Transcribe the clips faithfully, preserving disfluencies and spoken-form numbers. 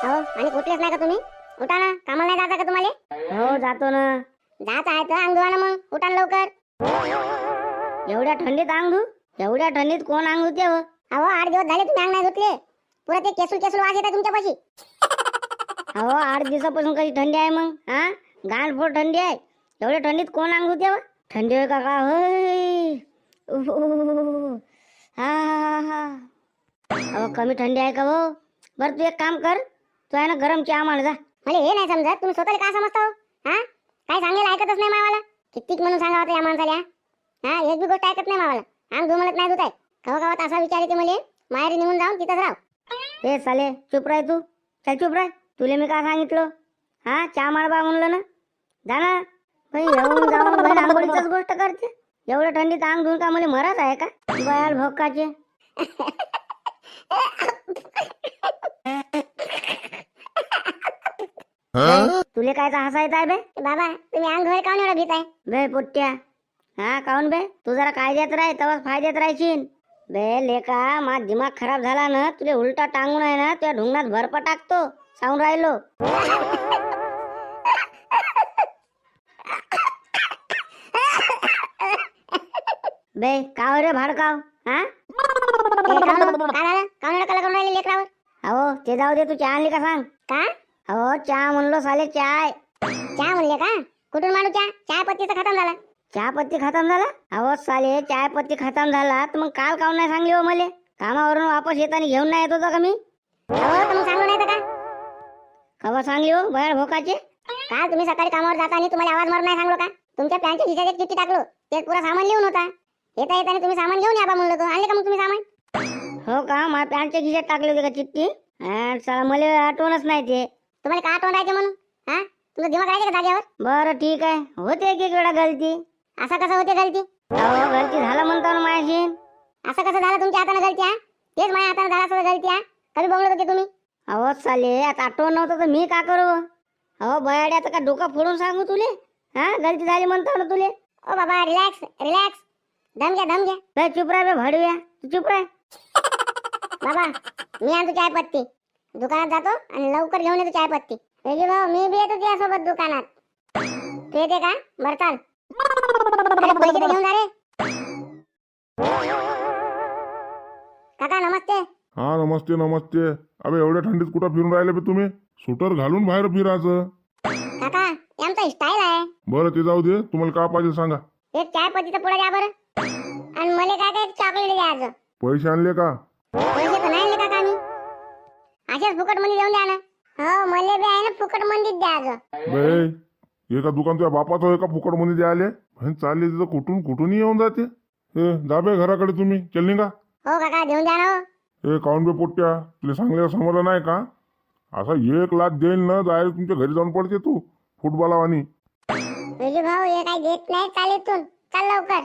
हो आणि कुठलेच नाही का तुम्ही? उठा ना, कामाला नाही जाता का तुम्हाला? हो जातो ना. जात आहे तर अंग धुवा ना मग, उठा ना लवकर. एवढ्या थंडीत अंग धु? एवढ्या थंडीत कोण अंग धुते हो? अहो आठ दिवस झाले तुम्ही अंग नाही धुतले. पुरा ते केसूल केसूल वास येतात तुमच्यापाशी. अहो आठ दिवसापासून कशी थंडी आहे मग? हा गाणफोड थंडी आहे. एवढ्या थंडीत कोण अंग धुते हो? थंडी होय काका होय. उफ, उफ. हा हा हा. अहो कमी थंडी आहे का हो? बरं तू एक काम कर, तू आहे ना गरम चहा मांड जा. मला हे नाही समजत तुम्ही स्वतःला काय समजता हो? हा काय सांगेल ऐकतच नाही मावाला. कितीक म्हणून सांगा होतं या माणसाला. हा एक बी गोष्ट ऐकत नाही मावाला. अंग धु म्हणत नाही धुताय. कवा कवा असा विचार येते मला, माहेरी निघून जाऊन तिथंच राव. ए साले चुप राह तू. चल चुप राह. तुले मी काय सांगितलं? हा चहा मांडबा म्हणलं ना. जा ना. बाई येऊन जाऊन बहीण आंघोळीचीच गोष्ट करते. एवढ्या थंडीत अंग धुवून का मला मरत आहे का? बयाल भोकाचे. तुले काय हसायचं आहे बे? बाबा तुम्ही अंग धुवायला काऊन एवढा भीत आहे? बे पोट्ट्या. हा काऊन बे? तू जरा कायद्यात राह तेव्हाच फायद्यात राहशील. बे लेका मा दिमाग खराब झाला ना, तुले उलटा टांगून आहे ना तुझ्या ढुंगणात भरप टाकतो सांगून राहिलो. बे काव रे भाडकाव. हा ए, काऊन हो? काय झालं? काऊन एवढा कला करून राहिले लेकरावर? अहो ते जाऊ दे, तू चहा आणली का सांग. का अहो चहा म्हणलो साले चाय. चहा म्हणले का? कुठून माणू चहा? चहा पत्तीचा खतम झाला. चहा पत्ती खतम झाला? अहो साले चाय पत्ती खतम झाला तर मग काल काऊन नाही सांगली हो मले? कामावरून वापस येताना घेऊन नाही येत होता का मी? हो तर मग सांगू नाही तर का? कवा सांगली हो बयाळ भोकाचे? काल तुम्ही सकाळी कामावर जाताना तुम्हाला आवाज मारून नाही सांगलो का? तुमच्या पॅन्टच्या खिशात एक चिठ्ठी टाकलो, ते पुरा सामान लिहून होता. येता येताना तुम्ही सामान घेऊन या बा म्हणलं तो. आणले का मग तुम्ही सामान? हो का? माझ्या पॅन्टच्या खिशात टाकली होती का चिठ्ठी? हा, चला मला आठवणच नाही ते. तुम्हाला का आठवण राहायचे म्हणून? हा तुमचा दिमाग राहायचे का जागेवर? बरं ठीक आहे, होते एक एक वेळा गलती. असं कसं होते गलती? अहो गलती झालं म्हणतो ना माझ्याशी. असं कसं झालं तुमच्या हाताने गलती? हा तेच माझ्या हाताने झाला असं गलती. हा कधी बोलत होते तुम्ही? अहो साले आता आठवण नव्हतं तर मी का करू? अहो बयाड्याचं का डोकं फोडून सांगू तुले? हा गलती झाली म्हणतो ना तुले. ओ बाबा रिलॅक्स रिलॅक्स. दम घ्या दम घ्या. बे चुप राह बे भाडूया, तू चुप राह. बाबा मी आणतो चाय पत्ती. दुकानात जातो आणि लवकर घेऊन येतो चाय पत्ती. वेगळी भाऊ मी बी येतो तुझ्यासोबत दुकानात. तू येते का? बरं चाल. अरे, पैसे तर घेऊन जा रे. काका नमस्ते. हा नमस्ते नमस्ते. अबे एवढ्या थंडीत कुठं फिरून राहिले बे तुम्ही? स्वेटर घालून बाहेर फिरायचं. काका हे आमचा स्टाईल आहे. बरं ते जाऊ दे, तुम्हाला काय पाहिजे सांगा. एक चाय पत्तीचा पुडा द्या बरं. आणि मला काय काय चॉकलेट द्यायचं. पैसे आणले का? पैसे तर नाही आणले काका मी. अशाच फुकट मध्ये देऊन द्या ना. हो मला बी आहे ना फुकट मंदीत द्यायचं. बे एका दुकान तुझ्या बापाचं आहे का फुकट मध्ये द्यायले? चालले तिथं कुठून कुठूनही येऊन जाते. ए जा बे घराकडे तुम्ही, चल का? हो काका देऊन द्या ना हो. ए काऊन बे पोट्ट्या, तुला सांगल्या समजलं नाही का? असा एक लाख देईल ना डायरेक्ट तुमच्या घरी जाऊन पडते तू फुटबॉलावानी. वेगळी भाऊ हे काही देत नाही चालेतून. चाल लवकर.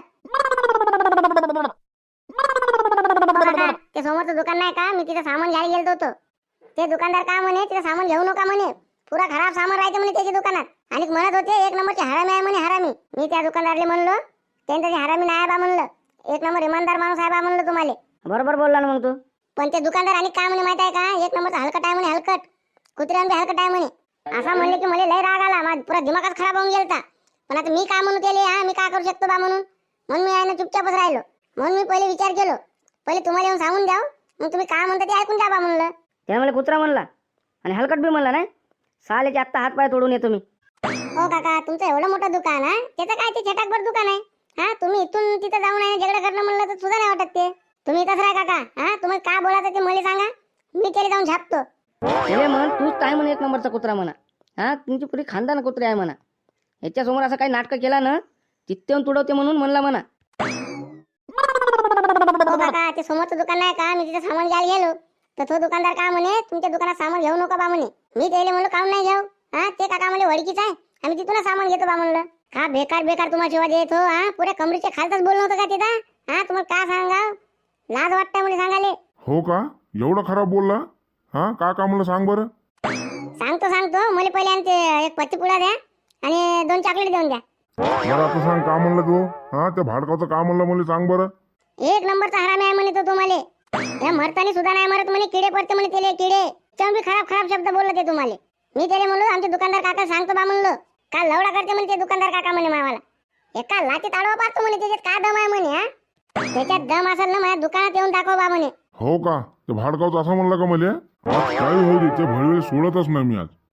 काका ते समोरचं दुकान नाही का, मी तिथं सामान घ्यायला गेलो होतो. ते दुकानदार का म्हणे तिथं सामान घेऊ नका म्हणे, पुरा खराब सामान राहते म्हणे त्याच्या दुकानात. आणि म्हणत होते एक नंबरचे हरामी आहे म्हणे हरामी. मी त्या दुकानदारले म्हणलो त्यांचं हरामी नाही बा म्हणलं, एक नंबर इमानदार माणूस आहे बा म्हणलं तुम्हाला. बरोबर बोलला ना मग तू. पण ते दुकानदार आणि काय म्हणे माहित आहे का, एक नंबरचा हलकट आहे म्हणे हलकट. कुत्र्यान बी हलकट आहे म्हणे. असा म्हणले की मला लय राग आला, माझा पुरा दिमागच खराब होऊन गेलता. पण आता मी काय म्हणू त्याले, हा मी काय करू शकतो बा म्हणून. म्हणून मी आहे ना चुपचापच राहिलो. म्हणून मी पहिले विचार केलो, पहिले तुम्हाला येऊन सांगून द्याव, मग तुम्ही काय म्हणता ते ऐकून जा बा म्हणलं. त्याने मला कुत्रा म्हणला आणि हलकट बी म्हणला नाही. सालेचे आत्ता हात पाय तोडून येतो मी. हो काका तुमचं एवढं मोठं दुकान आहे, त्याचं काय ते छटाकभर दुकान आहे. हा तुम्ही इथून तिथं जाऊन आहे झगडा करणं म्हणलं तर सुद्धा नाही वाटत ते. तुम्ही इथंच राहा काका. हा तुम्हाला काय बोलायचं ते मला सांगा, मी त्याला जाऊन छापतो. अरे म्हण तूच काय म्हण एक नंबरचा कुत्रा म्हणा. हा तुमची पुरी खानदान कुत्रे आहे म्हणा. याच्यासमोर असं काही नाटक केला ना तिथे येऊन तुडवते म्हणून म्हणला म्हणा. हो काका ते समोरचं दुकान नाही का, मी तिथे सामान घ्यायला गेलो तर तो दुकानदार का म्हणे तुमच्या दुकानात सामान घेऊ नका बा म्हणे. मी त्याला म्हणलो काऊन नाही घेऊ. हा ते काका म्हणले वडकीच आहे, आम्ही तिथूनच सामान घेतो बा म्हणलं. का बेकार बेकार तुम्हाला शिवाय देत हो. हा पुऱ्या कमरेच्या खालतच बोलणं होतं का तिथं. हा तुम्हाला काय सांगा, लाज वाटतंय मला सांगाले. हो का? एवढं खराब बोलला? हा का का म्हणलं सांग बरं. सांगतो सांगतो मला पहिले आणि ते एक पत्ती पुडा द्या आणि दोन चॉकलेट देऊन द्या. मला आता सांग का म्हणलं तू? हा त्या भाडकाचं का म्हणलं मला सांग बरं. एक नंबरचा हरामी आहे म्हणे तो तुम्हाला. या मरतानी सुद्धा नाही मरत म्हणे, किडे पडते म्हणे त्याले किडे. त्याच्याहून बी खराब खराब शब्द बोलले ते तुम्हाला. मी त्याला म्हणलो आमचे दुकानदार काका सांगतो बा म्हणलं. का लवडा करते म्हणे ते दुकानदार काका म्हणे मावाला. एका लाची ताडवा पाहतो म्हणे त्याच्यात काय दम आहे म्हणे. हा त्याच्यात दम असेल ना माझ्या दुकानात येऊन दाखव बा म्हणे. हो का? ते भाडगावचं असं म्हणलं का मला? आज काही होऊ दे, ते भडवेल सोडतच नाही मी आज.